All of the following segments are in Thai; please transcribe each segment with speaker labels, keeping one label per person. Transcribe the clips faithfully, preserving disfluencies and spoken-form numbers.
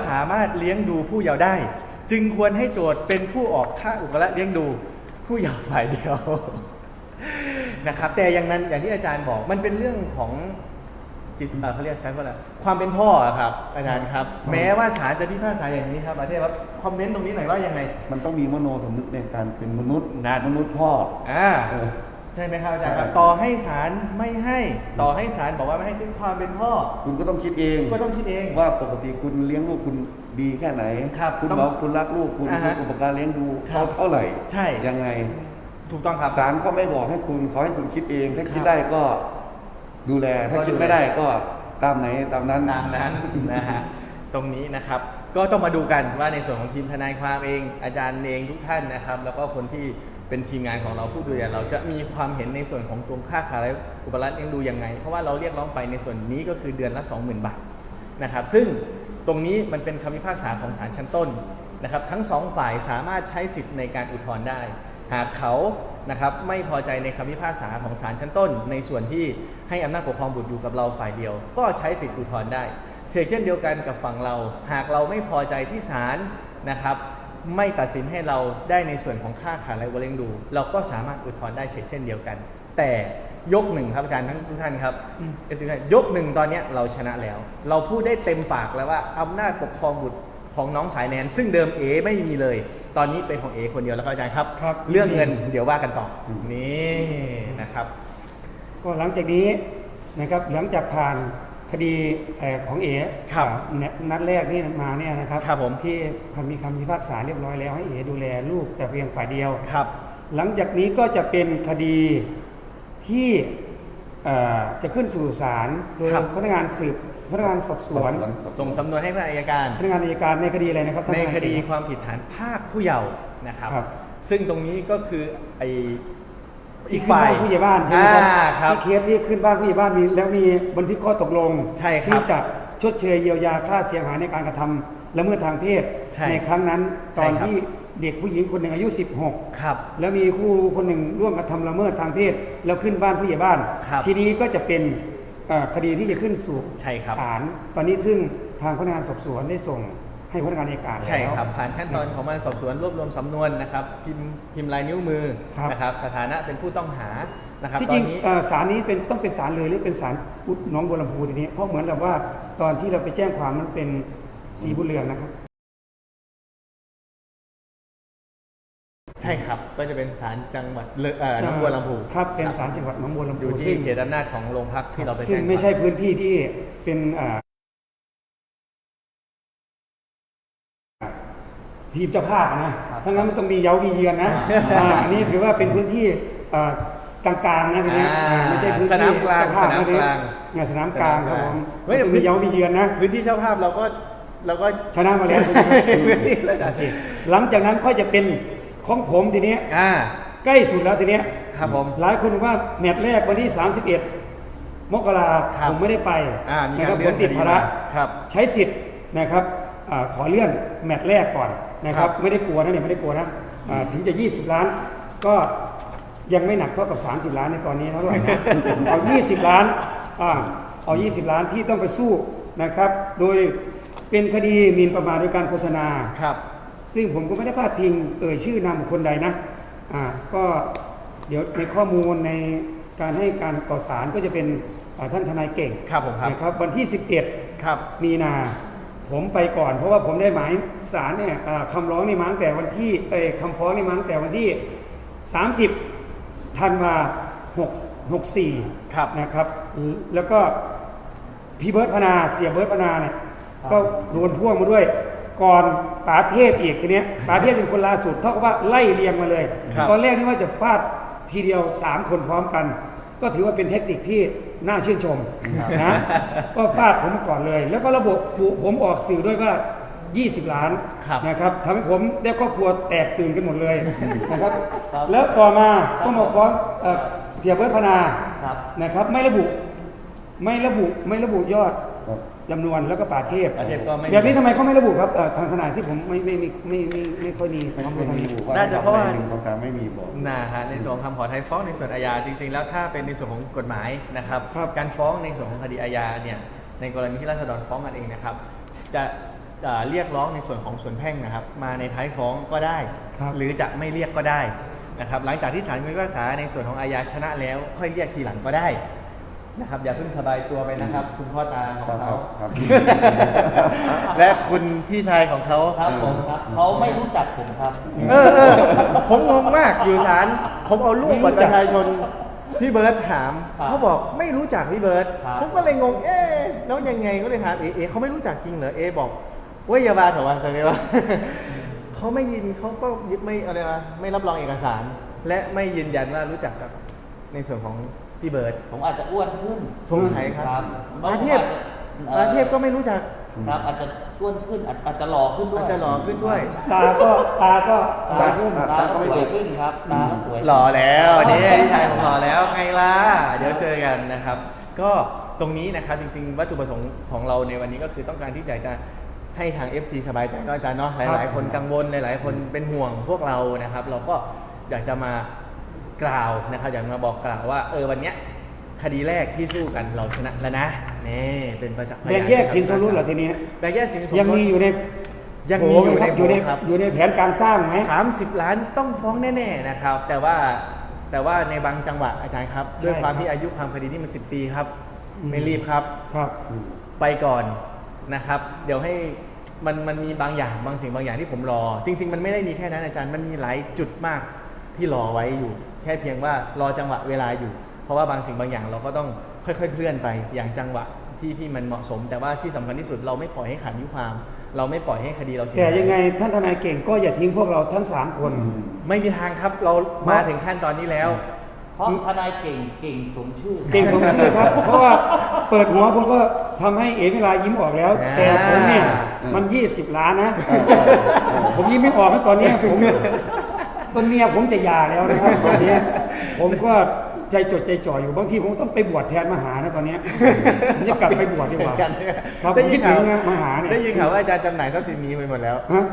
Speaker 1: สามารถเลี้ยงดูผู้เยาว์ได้จึงควรให้โจทย์เป็นผู้ออกค่าอุปการะเลี้ยงดูผู้เยาว์ฝ่ายเดียวนะครับแต่อย่างนั้นอย่างที่อาจารย์บอกมันเป็นเรื่องของจิตเขาเรียกใช้ว่าอะไรความเป็นพ่อครับอาจารย์ครับแม้ว่าศาลจะพิพากษาอย่างนี้ครับอาจารย์ครับคอมเมนต์ตรงนี้หน่อยว่ายังไง
Speaker 2: มันต้องมีมโนสำนึกในการเป็นมนุษย์มนุษย์พ่อ
Speaker 1: อ่าใช่ไหมครับอาจารย์ครับต่อให้ศาลไม่ให้ต่อให้ศาลบอกว่าไม่ให้ด้วยความเป็นพ่อ
Speaker 2: คุณก็ต้องคิดเอง
Speaker 1: ก็ต้องคิดเอง
Speaker 2: ว่าปกติคุณเลี้ยงลูกคุณดีแค่ไหน
Speaker 1: ครับ
Speaker 2: คุณบอกคุณรักลูกคุณอุปการเลี้ยงดูเขาเท่าไหร่
Speaker 1: ใช่
Speaker 2: ยังไง
Speaker 1: ถูกต้องครับ
Speaker 2: ศาลก็ไม่บอกให้คุณเขาให้คุณคิดเองถ้าคิดได้ก็ดูแลถ้าคิดไม่ได้ก็ตามไหนตามนั้น
Speaker 1: ตามนั้นนะฮะตรงนี้นะครับก็ต้องมาดูกันว่าในส่วนของทีมทนายความเองอาจารย์เองทุกท่านนะครับแล้วก็คนที่เป็นทีมงานของเราผู้ดูแลเราจะมีความเห็นในส่วนของตัวค่าขาและอุปการะเลี้ยงดูยังไงเพราะว่าเราเรียกร้องไปในส่วนนี้ก็คือเดือนละ สองหมื่น บาทนะครับซึ่งตรงนี้มันเป็นคำพิพากษาของศาลชั้นต้นนะครับทั้งสองฝ่ายสามารถใช้สิทธิ์ในการอุทธรณ์ได้หากเขานะครับไม่พอใจในคำพิพากษาของศาลชั้นต้นในส่วนที่ให้อำนาจปกครองบุตรอยู่กับเราฝ่ายเดียวก็ใช้สิทธิอุทธรณ์ได้เช่นเดียวกันกับฝั่งเราหากเราไม่พอใจที่ศาลนะครับไม่ตัดสินให้เราได้ในส่วนของค่าขาดและวเลี้ยงดูเราก็สามารถอุทธรณ์ได้เช่นเดียวกันแต่ยกหนึ่งครับอาจารย์ทั้งทุกท่านครับเอฟซียกหนึ่งตอนนี้เราชนะแล้วเราพูดได้เต็มปากแล้วว่าอำนาจปกครองบุตรของน้องสายแนนซึ่งเดิมเอไม่มีเลยตอนนี้เป็นของเอคนเดียวแล้วครับอาจารย์ครับเรื่องเงินเดี๋ยวว่ากันต่อนี่นะครับ
Speaker 3: ก็หลังจากนี้นะครับหลังจากผ่านคดีของเอนัดแรกนี่มาเนี่ยนะครับ
Speaker 1: ครับผม
Speaker 3: ที่มีคำพิพากษาเรียบร้อยแล้วให้เอดูแลลูกแต่เพียงฝ่ายเดียว
Speaker 1: ครับ
Speaker 3: หลังจากนี้ก็จะเป็นคดีที่จะขึ้นสู่ศาลโดยพนักงานสืบพนักงานสอบสวน
Speaker 1: ส่งสำนวนให้พนักงานอัยการ
Speaker 3: พนักงานอัยการในคดีอะไรนะครับ
Speaker 1: ในคดีความผิดฐานพรากผู้เยาว์นะครับซึ่งตรงนี้ก็คือไอ
Speaker 3: อีกฝ่ายผู้ใหญ่บ้านใช่ไหมครับที่เคสที่ขึ้นบ้านผู้ใหญ่บ้านมีแล้วมีบันทึกข้อตกลงที่จะชดเชยเยียวยาค่าเสียหายในการกระทำละเมิดทางเพศในครั้งนั้นตอนที่เด็กผู้หญิงคนหนึ่งอายุสิบหก
Speaker 1: ครับ
Speaker 3: แล้วมีคู่คนหนึ่งร่วมกระทำละเมิดทางเพศแล้วขึ้นบ้านผู้ใหญ่บ้านทีนี้ก็จะเป็นคดีที่จะขึ้นสู่ศาลตอนนี้ซึ่งทางพนักงานสอบสวนได้ส่งให้พนักงานอัยการ
Speaker 1: ใช่ครับผ่านขั้นตอนของการสอบสวนรวบรวมสำนวนนะครับพิมพ์พิมพ์ลายนิ้วมือนะครับสถานะเป็นผู้ต้องหานะครับ
Speaker 3: ที่จริงศาลนี้เป็นต้องเป็นศาลเลยหรือเป็นศาลอุดหนองบัวลำพูทีนี้เพราะเหมือนกับว่าตอนที่เราไปแจ้งความมันเป็นสีบุญเรืองนะครับ
Speaker 1: ใช่ครับก็จะเป็นศาลจังหวัดหนองบัวลำพู
Speaker 3: ครับเป็นศาลจังหวัดหนองบัวลำพู
Speaker 1: อยู่ที่เขตอำนาจของโรงพักที่เราไปแจ้ง
Speaker 3: ซึ่งไม่ใช่พื้นที่ที่เป็นทีมเจ้าภาพนะทั้งนั้นมันต้องมีเย้ามีเยือนนะอันนี้ถือว่าเป็นพื้นที่กลางๆนะทีนี้ไม่ใช่พื้นที่
Speaker 1: สนามกลางสนามกลาง
Speaker 3: งานสนามกลางครับผมไม่มีเย้ามีเยือนนะ
Speaker 1: พื้นที่เจ้าภาพเราก็เราก็
Speaker 3: ชนะมาแล้วหลังจากนั้นค่อยจะเป็นของผมทีนี้ใกล้สุดแล้วทีนี้
Speaker 1: ครับผม
Speaker 3: หลายคนว่าแมตช์แรกวันที่สามสิบเอ็ดมกราคมผมไม่ได้ไป
Speaker 1: นะครับ
Speaker 3: ผมติดภาระใช้สิทธิ์นะครับขอเลื่อนแมตช์แรกก่อนนะครับไม่ได้กลัวนะเนี่ยไม่ได้กลัวนะถึงจะยี่สิบล้านก็ยังไม่หนักเท่ากับสามสิบล้านในตอนนี้เท่าไหร่นะเอายี่สิบล้านเอายี่สิบล้านที่ต้องไปสู้นะครับโดยเป็นคดีหมิ่นประมาทโดยการโฆษณา
Speaker 1: ครับ
Speaker 3: ซึ่งผมก็ไม่ได้พาดพิงเอ่ยชื่อนามบุคคลใดนะอ่าก็เดี๋ยวในข้อมูลในการให้การต่อศาลก็จะเป็นท่านทนายเก่ง
Speaker 1: ครับผมครับ
Speaker 3: นะครับวันที่สิบเอ็ด
Speaker 1: ครับ
Speaker 3: มีนาผมไปก่อนเพราะว่าผมได้หมายศาลเนี่ยคำร้องนี่มาตั้งแต่วันที่เอ่ยคำฟ้องนี่มาตั้งแต่วันที่สามสิบธันวาคมหกสี่นะครับแล้วก็พี่เบิร์ตพนาเสียเบิร์ตพนาเนี่ยก็โดนพ่วงมาด้วยก่อนป๋าเทพอีกทีนี้ป๋าเทพเป็นคนล่าสุดเท่ากับว่าไล่เรียงมาเลยตอนแรกนี่ว่าจะฟาดทีเดียวสามคนพร้อมกันก็ถือว่าเป็นเทคนิคที่น่าชื่นชมนะก็ฟาดผมก่อนเลยแล้วก็ระบบผมออกสื่อด้วยว่ายี่สิบล้านนะครับทำให้ผมได้ครอบครัวแตกตื่นกันหมดเลยนะครับแล้วต่อมาก็มาฟ้องเสียเบิร์ตพนานะครับไม่ระบุไม่ระบุไม่ระบุยอดจำนวนแล้วก็ป่าเทพแบบนี้ทำไมเขาไม่ระบุครับทางทนายที่ผมไม่ไม่ไม่ไม่ไม่ค่อยมี
Speaker 2: ข้อมูลทางนี้
Speaker 1: น่าจะเพราะว่า
Speaker 2: หนึ่งสองสามไม่มีบอก
Speaker 1: นะฮะในส่วนคำขอไทยฟ้องในส่วนอาญาจริงๆแล้วถ้าเป็นในส่วนของกฎหมายนะครับการฟ้องในส่วนของคดีอาญาเนี่ยในกรณีที่ราษฎรฟ้องกันเองนะครับจะเอ่อเรียกร้องในส่วนของส่วนแพ่งนะครับมาในท้ายฟ้องก็ได้
Speaker 3: ครับ
Speaker 1: หรือจะไม่เรียกก็ได้นะครับหลังจากที่ศาลมีพิพากษาในส่วนของอาญาชนะแล้วค่อยเรียกทีหลังก็ได้นะครับอย่าเพิ่งสบายตัวไปนะครับ คุณพ่อตาของ
Speaker 2: ครั
Speaker 1: เขา
Speaker 2: บครับ
Speaker 1: และคุณพี่ชายของเขา
Speaker 4: ครับผมครับเขาไม่รู้จักผมครับ
Speaker 1: เออเออผมงงมากอยู่ศาลผมเอารูปบัตรประชาชนพี่เบิร์ดถาม
Speaker 4: ครับ
Speaker 1: เขาบอกไม่รู้จักพี่เบิร์ด
Speaker 4: ครับ
Speaker 1: ผมก็เลยงงเอ๊ะแล้วยังไงก็เลยถามเอเอเขาไม่รู้จักจริงเหรอเอบอกเว้ยอยาบาเถอะวะสักนิดว่า เขาไม่ยินเขาก็ไม่อะไรวะไม่รับรองเอกสาร และไม่ยืนยันว่ารู้จักกับในส่วนของพี่เบิร์ด
Speaker 4: ผมอาจจะอ้วนขึ้น
Speaker 1: สงสัยครับ
Speaker 4: ครับ
Speaker 1: อาเทพอาเทพก็ไม่รู้จัก
Speaker 4: ครับอาจจะอ้วนขึ้นอาจอาจจะหล่อขึ้นด้วย
Speaker 1: อาจจะหล่อขึ้นด้วย
Speaker 3: ตาก็ตาก็ส
Speaker 4: ตา
Speaker 3: วยขึ้น
Speaker 4: ตาก็สวยขึ้นครับตาก็สวย
Speaker 1: หล่อแล้วนี่พี่ชายผมหล่อแล้วไงล่ะเดี๋ยวเจอกันนะครับ ก็ตรงนี้นะครับจริงๆ วัตถุประสงค์ของเราในวันนี้ก็คือต้องการที่จะจะให้ทาง เอฟ ซี สบายใจเนาะอาจารย์เนาะหลายๆ คนกังวลหลายๆ คนเป็นห่วงพวกเรานะครับ เราก็อยากจะมากล่าวนะครับอยากมาบอกกล่าวว่าเออวันเนี้ยคดีแรกที่สู้กันเราชนะแล้วนะนี่เป็นประจักษ์พยาน
Speaker 3: แบ่งแยกสินสมรสเหรอทีนี้
Speaker 1: แบ่งแยกสินสมรส
Speaker 3: ยังมีอยู่ใน
Speaker 1: ยังมีอยู่ใน
Speaker 3: อยู่ใน
Speaker 1: โผครับ
Speaker 3: อยู่ในแผนการสร้างไหม
Speaker 1: สามสิบล้านต้องฟ้องแน่ๆนะครับ แต่ว่าแต่ว่าในบางจังหวะอาจารย์ครับ
Speaker 3: ใช่
Speaker 1: ด้วยความ
Speaker 3: ครับ
Speaker 1: ที่อายุความคดีนี่มันสิบปีครับ
Speaker 3: อืม
Speaker 1: ไม่รีบครับ
Speaker 3: ครับ
Speaker 1: ไปก่อนนะครับ เดี๋ยวให้มันมันมีบางอย่างบางสิ่งบางอย่างที่ผมรอ จริง ๆ มันไม่ได้มีแค่นั้นอาจารย์มันมีหลายจุดมากที่รอไว้อยู่ แค่เพียงว่ารอจังหวะเวลาอยู่ เพราะว่าบางสิ่งบางอย่างเราก็ต้องค่อยๆเคลื่อนไปอย่างจังหวะที่ที่มันเหมาะสม แต่ว่าที่สำคัญที่สุดเราไม่ปล่อยให้ขัดอายุความ เราไม่ปล่อยให้คดีเราเสีย
Speaker 3: แต่
Speaker 1: หาย
Speaker 3: ยังไงท่านทนายเก่งก็อย่าทิ้งพวกเราทั้งสามคน
Speaker 1: ไม่มีทางครับเรามาถึงขั้นตอนนี้แล้ว
Speaker 4: เพราะทนายเก่งเก่งสมชื่อ
Speaker 3: เก่งสมชื่อครับ เพราะว่าเปิดหัวผมก็ทำให้เอ๋เวลายิ้มออกแล้ว
Speaker 1: อ่า
Speaker 3: แต่ผมเนี่ยมันยี่สิบล้านนะ ผมยิ้มไม่ออกนะตอนเนี้ยผมตอนเมียผมจะหย่าแล้วนะครับตอนเนี้ยผมก็ใจจดใจจ่ออยู่บางทีผมต้องไปบวชแทนมหานะตอนเนี้ยผมจะกลับไปบวชดีกว่า
Speaker 1: กัน
Speaker 3: ครับ
Speaker 1: ได้
Speaker 3: ผม
Speaker 1: ยิ
Speaker 3: คิ
Speaker 1: น
Speaker 3: ดถึ
Speaker 1: ข่าว
Speaker 3: งนะมหาเนี่ย
Speaker 1: ได้ยินข่าวว่าอาจารย์จำหน่ายทรัพย์สินนี้ไปหมดแล้ว
Speaker 3: ฮะ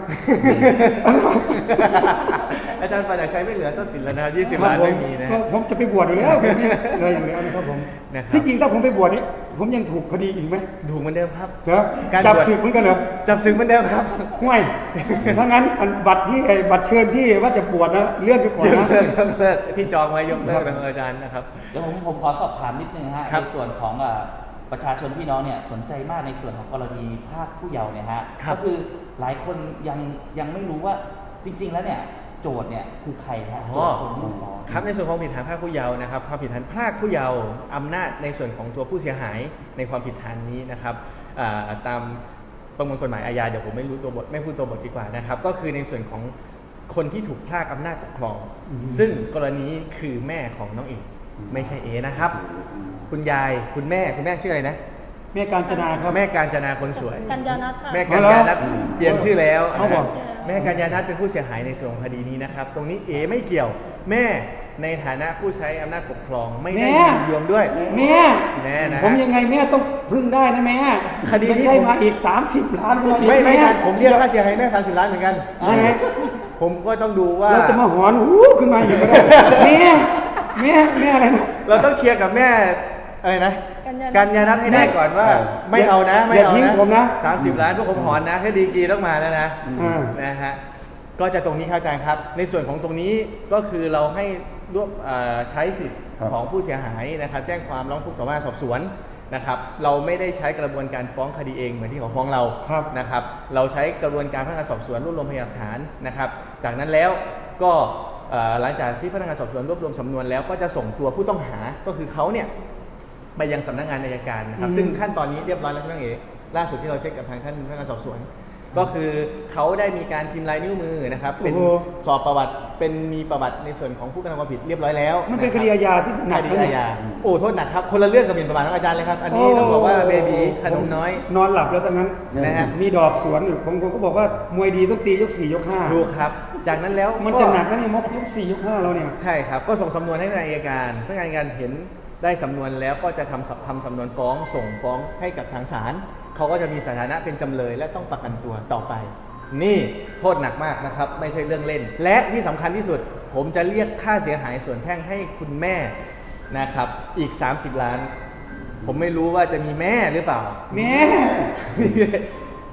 Speaker 1: อาจารย์ปราจักษ์ชัยไม่เหลือทรัพย์สินแล้วนะครับยี่สิบ
Speaker 3: ครับ
Speaker 1: ล้าน
Speaker 3: ผม
Speaker 1: ไม่มีนะ
Speaker 3: ก็ผมจะไปบวชอยู่แล้วผมเนี่ยเลยอยู่แล้วนะครับผม
Speaker 1: นะครับ
Speaker 3: ที่จริงถ้าผมไปบวชนี่ผมยังถูกคดีอีกไหม
Speaker 1: ถูกเหมือนเดิมครับ
Speaker 3: เหรอ
Speaker 1: การ
Speaker 3: จับบ
Speaker 1: วช
Speaker 3: ศึกเหมือนกันเหรอ
Speaker 1: จับศึกเหมือนเดิมครับ
Speaker 3: ห่วยถ้างั้นอันบัตรที่ไอ้บัตรเชิญที่ว่าจะบวชนะเลื่อนไปก่อน
Speaker 1: ยก
Speaker 3: นะ
Speaker 1: เลิกยกเลิกที่จองไว้ยกเลิกนะครับอาจารย์นะครับ
Speaker 4: เดี๋ยวผมผมขอสอบถามนิดนึงนะฮะ
Speaker 1: ครับ
Speaker 4: ในส่วนของอ่าประชาชนพี่น้องเนี่ยสนใจมากในส่วนของกรณีภาคผู้เยาว์เนี่ยฮะ
Speaker 1: ครับ
Speaker 4: ก็คือหลายคนยังยังไม่รู้ว่าจริง ๆ แล้วเนี่ยโจทย์เนี่ยคือใครฮะโจทย์คนยื่นฟ้อง
Speaker 1: ครับในส่วนของผิดฐานพรากผู้เยาว์นะครับความผิดฐานพรากผู้เยาว์อำนาจในส่วนของตัวผู้เสียหายในความผิดฐานนี้นะครับอ่าตามประมวลกฎหมายอาญาเดี๋ยวผมไม่รู้ตัวบทไม่พูดตัวบทดีกว่านะครับก็คือในส่วนของคนที่ถูกพรากอำนาจปกครอง ซึ่งกรณีคือแม่ของน้องเอกไม่ใช่เอนะครับ คุณยายคุณแม่คุณแม่ชื่ออะไรนะ
Speaker 3: แม่การจนาครับ
Speaker 1: แม่การจนาคนสวย
Speaker 5: กัญญาณัฐค่ะ
Speaker 1: แม่กัญญาณัฐเปลี่ยนชื่อแล้ว
Speaker 3: เอาบอก
Speaker 1: แม่กัญญาณัฐเป็นผู้เสียหายในส่วนของคดีนี้นะครับ ตรงนี้เอไม่เกี่ยว แม่ในฐานะผู้ใช้อำนาจปกครองไม่ได้
Speaker 3: แม่
Speaker 1: ยินยอมด้วย
Speaker 3: แม่
Speaker 1: แม่นะ
Speaker 3: ผมยังไงแม่ต้องพึ่งได้นะแม่
Speaker 1: คดีนี้
Speaker 3: ไม่ใช่มาอีกสามสิบล้านมาอีก
Speaker 1: ไม่ไม่
Speaker 3: แ
Speaker 1: ทันผมเรียกค่าเสียหายแม่สามสิบล้านเหมือนกัน
Speaker 3: ได้ไหม
Speaker 1: ผมก็ต้องดูว่า
Speaker 3: เราจะมาหอนหูขึ้นมาอีกก็ได้แม่แม่แม่อะไรนะ
Speaker 1: เราต้องเคลียร์กับแม่อะไรนะ
Speaker 5: กัญญาณัฐ
Speaker 1: กัญญาณัฐให้ได้ก่อนว่า
Speaker 3: เออ
Speaker 1: ไม่เอานะไม่
Speaker 3: อย่า
Speaker 1: เอา
Speaker 3: ทิ้ง
Speaker 1: นะ
Speaker 3: ผมนะ
Speaker 1: สามสิบล้านพวกผมหอนนะแค่ดีกรีต้องมาแล้วนะ
Speaker 3: อ่า
Speaker 1: นะฮะก็จะตรงนี้เข้าใจครับ ในส่วนของตรงนี้ก็คือเราให้รวบเอ่อใช้สิทธิ์
Speaker 2: ครับ
Speaker 1: ของผู้เสียหายนะครับ แจ้งความร้องทุกข์ต่อพนักงานสอบสวนนะครับ เราไม่ได้ใช้กระบวนการฟ้องคดีเองเหมือนที่เขาฟ้องเรา
Speaker 3: ครับ
Speaker 1: นะครับ เราใช้กระบวนการพนักงานสอบสวนรวบรวมพยานหลักฐานนะครับ จากนั้นแล้วก็เอ่อหลังจากที่พนักงานสอบสวนรวบรวมสำนวนแล้วก็จะส่งตัวผู้ต้องหาก็คือเขาเนี่ยไปยังสำนักงานอัยการนะครับ
Speaker 3: อืม
Speaker 1: ซึ่งขั้นตอนนี้เรียบร้อยแล้วใช่ไหมเอ๋ล่าสุดที่เราเช็คกับทางท่านพนักงานสอบสวน ก็คือเขาได้มีการพิมพ์ลายนิ้วมือนะครับเป็น
Speaker 3: โอ้โห
Speaker 1: สอบประวัติเป็นมีประวัติในส่วนของผู้กระทำความผิดเรียบร้อยแล้ว
Speaker 3: มันเป็นคดีอาญาที่หนัก
Speaker 1: คดี
Speaker 3: นะเนี่
Speaker 1: อาย ญาโอ้โทษหนักครับคนละเรื่องกับหมิ่นประมาทของอาจารย์เลยครับอันนี้ต้องบอกว่าเบบีขนมน้อย
Speaker 3: นอนหลับแล้วตอนนั้น
Speaker 1: นะฮะ
Speaker 3: มีดอกสวนอยู่ผมผมก็บอกว่ามวยดีต้องตียกสี่ยกห้า
Speaker 1: ถูกครับ จากนั้นแล้ว
Speaker 3: มัน
Speaker 1: ก็
Speaker 3: จะหนักนะเนี่ยมกยกสี่ยกห้าเราเนี่ย
Speaker 1: ใช่ครับ ก็ส่งสำนวนให้พนักงานอัยการพนักงานอัยการเห็นได้สำนวนแล้วก็จะทำสทำสำนวนฟ้องส่งฟ้องให้กับทางศาลเขาก็จะมีสถานะเป็นจำเลยและต้องประกันตัวต่อไป นี่โทษหนักมากนะครับไม่ใช่เรื่องเล่น และที่สำคัญที่สุด ผมจะเรียกค่าเสียหายส่วนแพ่งให้คุณแม่นะครับอีก สามสิบ ล้าน ผมไม่รู้ว่าจะมีแม่หรือเปล่า
Speaker 3: แม่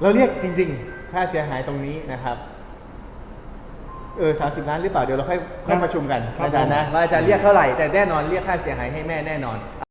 Speaker 1: เราเรียกจริงๆ ค่าเสียหายตรงนี้นะครับเออสามสิบล้านหรือเปล่าเดี๋ยวเราค่อยค่อยประชุมกัน
Speaker 3: ครับ
Speaker 1: อาจารย์นะว่าอาจารย์เรียกเท่าไหร่แต่แน่นอนเรียกค่าเสียหายให้แม่แน่นอน